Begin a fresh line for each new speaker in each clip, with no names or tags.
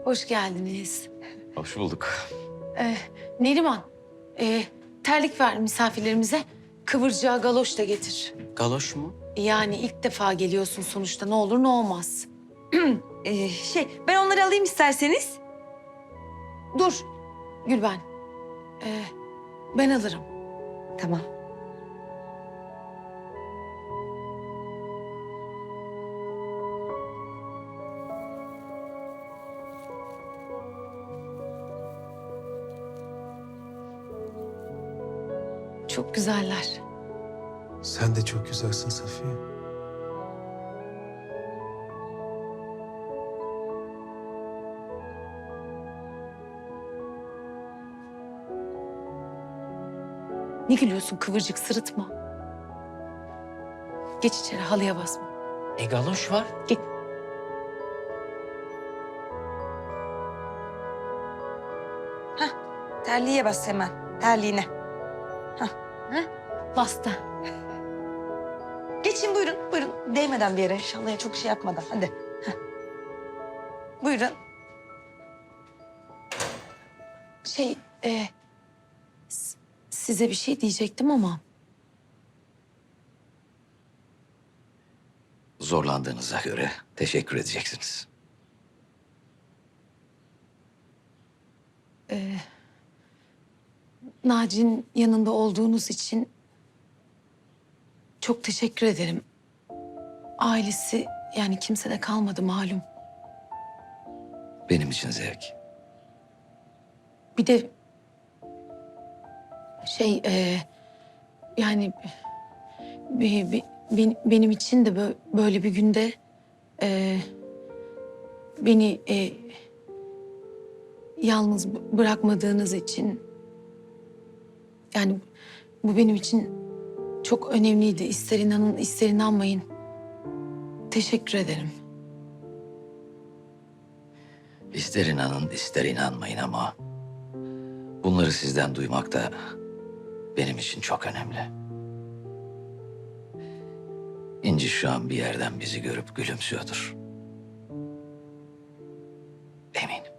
Hoş geldiniz.
Hoş bulduk.
Neriman, terlik ver misafirlerimize. Kıvırcığa galoş da getir.
Galoş mu?
Yani ilk defa geliyorsun sonuçta. Ne olur ne olmaz.
Ben onları alayım isterseniz.
Dur Gülben. Ben alırım.
Tamam.
Çok güzeller.
Sen de çok güzelsin Safiye.
Ne gülüyorsun kıvırcık, sırıtma. Geç içeri, halıya basma.
Galoş var.
Git.
Terliğe bas hemen. Terliğine.
Bastı.
Geçin buyurun. Buyurun. Değmeden bir yere. İnşallah çok şey yapmadan. Hadi. Heh. Buyurun.
Size bir şey diyecektim ama...
Zorlandığınıza göre teşekkür edeceksiniz.
Naci'nin yanında olduğunuz için çok teşekkür ederim. Ailesi yani kimse de kalmadı malum.
Benim için zevk.
Bir de yani benim için de böyle bir günde beni yalnız bırakmadığınız için yani bu benim için çok önemliydi. İster inanın ister inanmayın. Teşekkür ederim.
İster inanın ister inanmayın ama... bunları sizden duymak da benim için çok önemli. İnci şu an bir yerden bizi görüp gülümsüyordur. Eminim.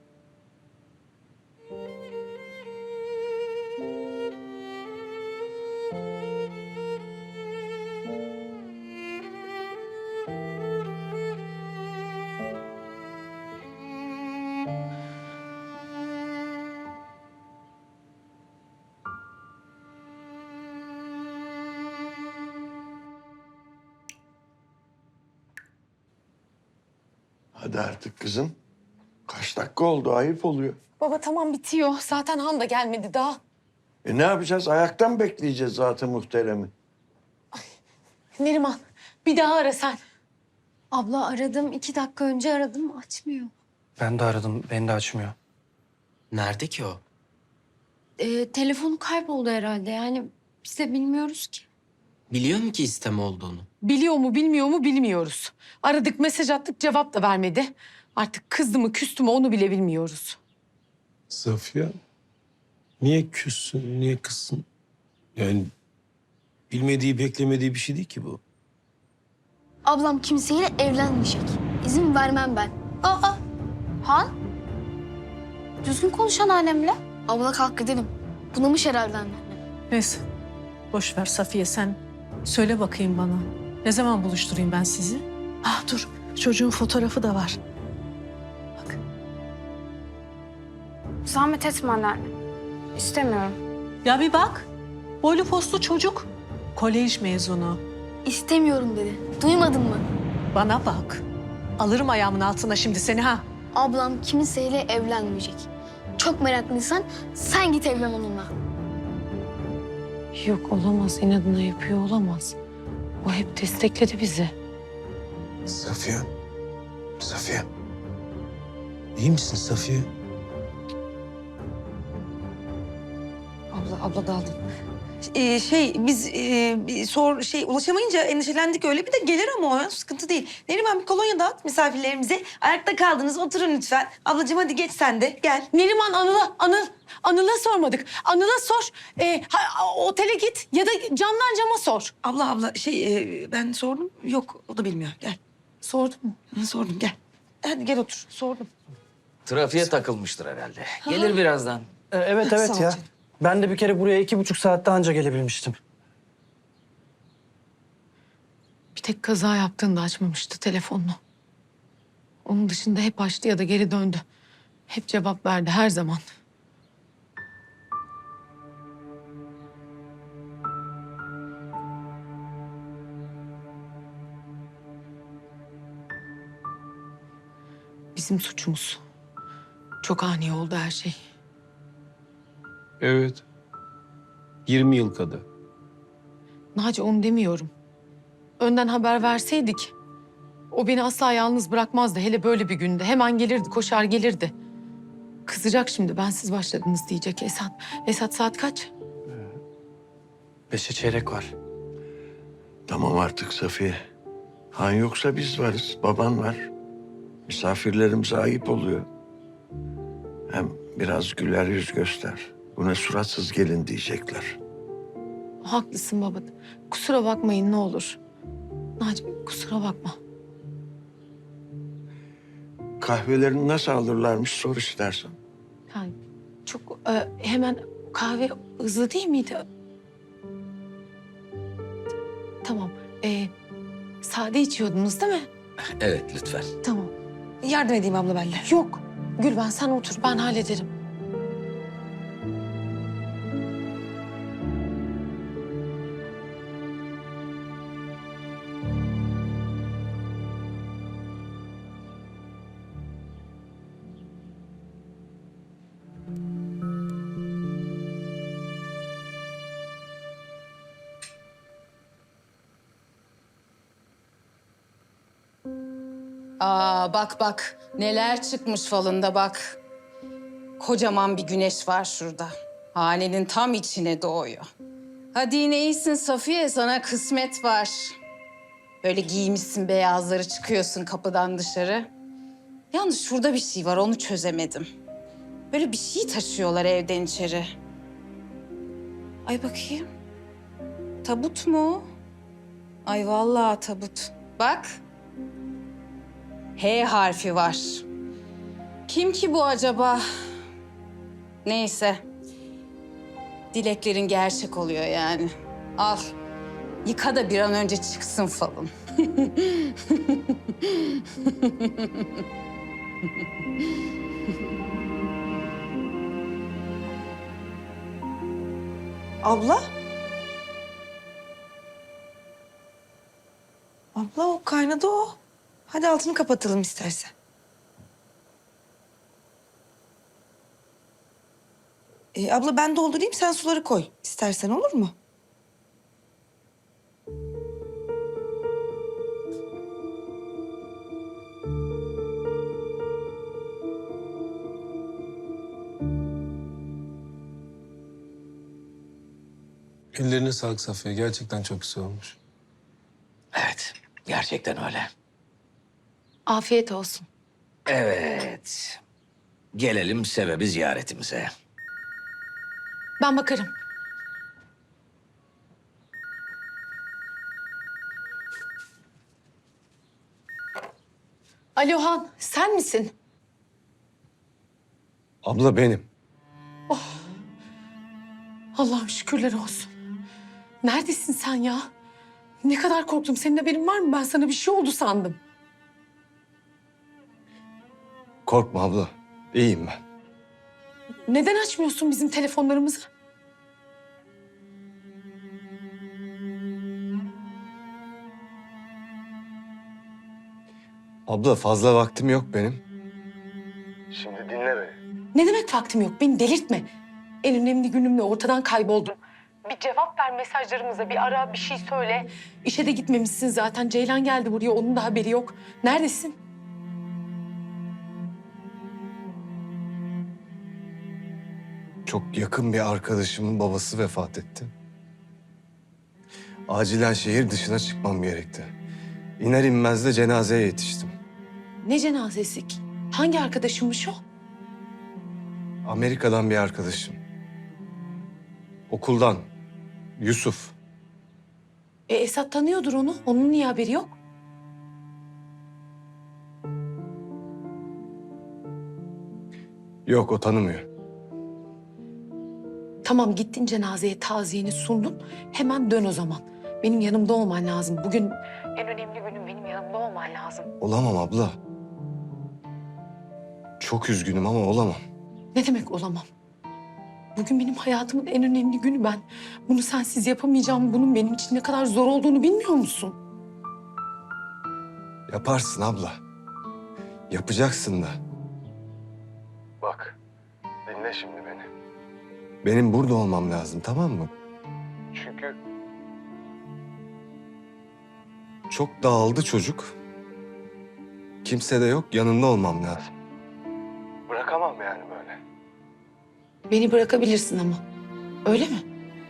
Hadi artık kızım. Kaç dakika oldu? Ayıp oluyor.
Baba tamam bitiyor. Zaten Han da gelmedi daha.
Ne yapacağız? Ayaktan bekleyeceğiz zaten muhteremi.
Neriman bir daha ara sen.
Abla aradım. 2 dakika önce aradım. Açmıyor.
Ben de aradım. Beni de açmıyor. Nerede ki o?
Telefonu kayboldu herhalde. Yani biz de bilmiyoruz ki.
Biliyor mu ki isteme olduğunu?
Biliyor mu bilmiyor mu bilmiyoruz. Aradık mesaj attık cevap da vermedi. Artık kızdı mı küstü mü onu bile bilmiyoruz.
Safiye, niye küssün, niye kızsın? Yani bilmediği, beklemediği bir şey değil ki bu.
Ablam kimseyle evlenmeyecek. İzin vermem ben. Aa! Han? Düzgün konuş anneannemle. Abla kalk gidelim. Bunamış herhalde anne.
Neyse. Boş ver Safiye sen. Söyle bakayım bana. Ne zaman buluşturayım ben sizi? Ah dur. Çocuğun fotoğrafı da var. Bak.
Zahmet etme anneanne. İstemiyorum.
Ya bir bak. Boylu postlu çocuk. Kolej mezunu.
İstemiyorum dedi. Duymadın mı?
Bana bak. Alırım ayağımın altına şimdi seni ha.
Ablam kimseyle evlenmeyecek. Çok meraklıysan sen git evlen onunla.
Yok olamaz inadına yapıyor olamaz. O hep destekledi bizi.
Safiye, Safiye. İyi misin Safiye?
Abla daldım.
Ulaşamayınca endişelendik öyle. Bir de gelir ama o ya, sıkıntı değil. Neriman bir kolonya dağıt misafirlerimize. Ayakta kaldınız oturun lütfen. Ablacığım hadi geç sen de gel.
Neriman Anıl'a sormadık. Anıl'a sor. Otele git ya da camdan cama sor.
Abla ben sordum. Yok o da bilmiyor. Gel.
Sordun mu?
Sordum gel. Hadi gel otur. Sordum.
Trafiğe takılmıştır herhalde. Gelir birazdan.
Evet
Sağ ol
evet ya.
canım.
Ben de bir kere buraya 2,5 saatte anca gelebilmiştim.
Bir tek kaza yaptığında açmamıştı telefonunu. Onun dışında hep açtı ya da geri döndü. Hep cevap verdi her zaman. Bizim suçumuz. Çok ani oldu her şey.
Evet. 20 yıl kadar.
Naci onu demiyorum. Önden haber verseydik o beni asla yalnız bırakmazdı. Hele böyle bir günde. Hemen gelirdi, koşar gelirdi. Kızacak şimdi bensiz başladınız diyecek Esat. Esat saat kaç?
5'e çeyrek var.
Tamam artık Safiye. Han yoksa biz varız, baban var. Misafirlerimize ayıp oluyor. Hem biraz güler yüz göster. Bu ne suratsız gelin diyecekler.
Haklısın baba. Kusura bakmayın ne olur. Naci kusura bakma.
Kahvelerini nasıl alırlarmış sor istersen.
Yani çok hemen kahve hızlı değil miydi? Tamam. Sade içiyordunuz değil mi?
Evet lütfen.
Tamam.
Yardım edeyim abla ben de.
Yok. Gülben sen otur ben hallederim.
Aa bak bak neler çıkmış falında bak. Kocaman bir güneş var şurada. Hanenin tam içine doğuyor. Hadi yine iyisin Safiye, sana kısmet var. Böyle giymişsin beyazları, çıkıyorsun kapıdan dışarı. Yalnız şurada bir şey var, onu çözemedim. Böyle bir şey taşıyorlar evden içeri. Ay bakayım. Tabut mu o? Ay vallahi tabut. Bak. H harfi var. Kim ki bu acaba? Neyse. Dileklerin gerçek oluyor yani. Al. Yıka da bir an önce çıksın falın.
Abla? Abla o kaynadı o. Hadi altını kapatalım istersen. Abla ben doldurayım sen suları koy istersen olur mu?
Ellerine sağlık Safiye. Gerçekten çok güzel olmuş.
Evet gerçekten öyle.
Afiyet olsun.
Evet. Gelelim sebebi ziyaretimize.
Ben bakarım. Alo Han, sen misin?
Abla benim.
Allah'ım şükürler olsun. Neredesin sen ya? Ne kadar korktum. Senin haberin var mı? Ben sana bir şey oldu sandım.
Korkma abla. İyiyim ben.
Neden açmıyorsun bizim telefonlarımızı?
Abla fazla vaktim yok benim.
Ne demek vaktim yok? Beni delirtme. En önemli günümle ortadan kayboldum. Bir cevap ver mesajlarımıza, bir ara, bir şey söyle. İşe de gitmemişsin zaten. Ceylan geldi buraya, onun da haberi yok. Neredesin?
Çok yakın bir arkadaşımın babası vefat etti. Acilen şehir dışına çıkmam gerekti. İner inmez de cenazeye yetiştim.
Ne cenazesi ki? Hangi arkadaşımmış o?
Amerika'dan bir arkadaşım. Okuldan. Yusuf.
Esat tanıyordur onu. Onun niye haberi yok?
Yok, o tanımıyor.
Tamam, gittin cenazeye taziyeni sundun. Hemen dön o zaman. Benim yanımda olman lazım. Bugün en önemli günüm, benim yanımda olman lazım.
Olamam abla. Çok üzgünüm ama olamam.
Ne demek olamam? Bugün benim hayatımın en önemli günü ben. Bunu sensiz yapamayacağım. Bunun benim için ne kadar zor olduğunu bilmiyor musun?
Yaparsın abla. Yapacaksın da. Bak, dinle şimdi beni. Benim burada olmam lazım, tamam mı? Çünkü çok dağıldı çocuk. Kimse de yok, yanında olmam lazım. Bırakamam yani böyle.
Beni bırakabilirsin ama. Öyle mi?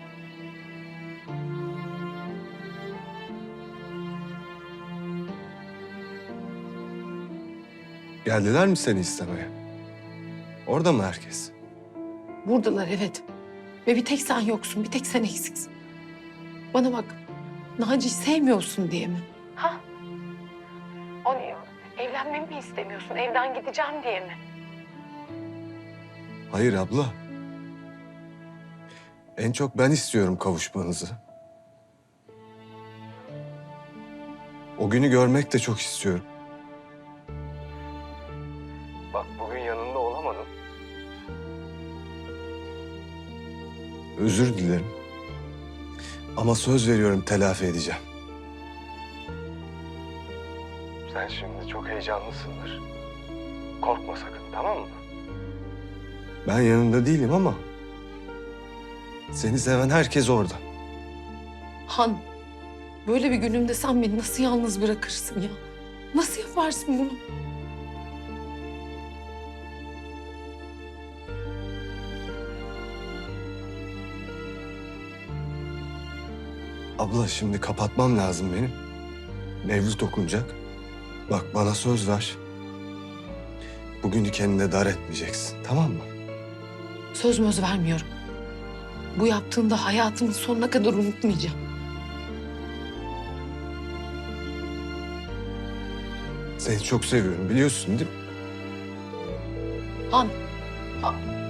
Geldiler mi seni istemeye? Orada mı herkes?
Buradalar, evet. Ve bir tek sen yoksun, bir tek sen eksiksin. Bana bak, Naci'yi sevmiyorsun diye mi? Ha? O niye? Evlenmemi mi istemiyorsun, evden gideceğim diye mi?
Hayır abla. En çok ben istiyorum kavuşmanızı. O günü görmek de çok istiyorum. Bak, bugün yanında olamadım. Özür dilerim. Ama söz veriyorum, telafi edeceğim. Sen şimdi çok heyecanlısındır. Korkma sakın, tamam mı? Ben yanında değilim ama seni seven herkes orada.
Han, böyle bir günümde sen beni nasıl yalnız bırakırsın ya? Nasıl yaparsın bunu?
Abla, şimdi kapatmam lazım benim. Mevlüt okunacak. Bak, bana söz ver. Bugünü kendine dar etmeyeceksin, tamam mı?
Söz möz vermiyorum. Bu yaptığında hayatımın sonuna kadar unutmayacağım.
Seni çok seviyorum, biliyorsun değil mi?
Han,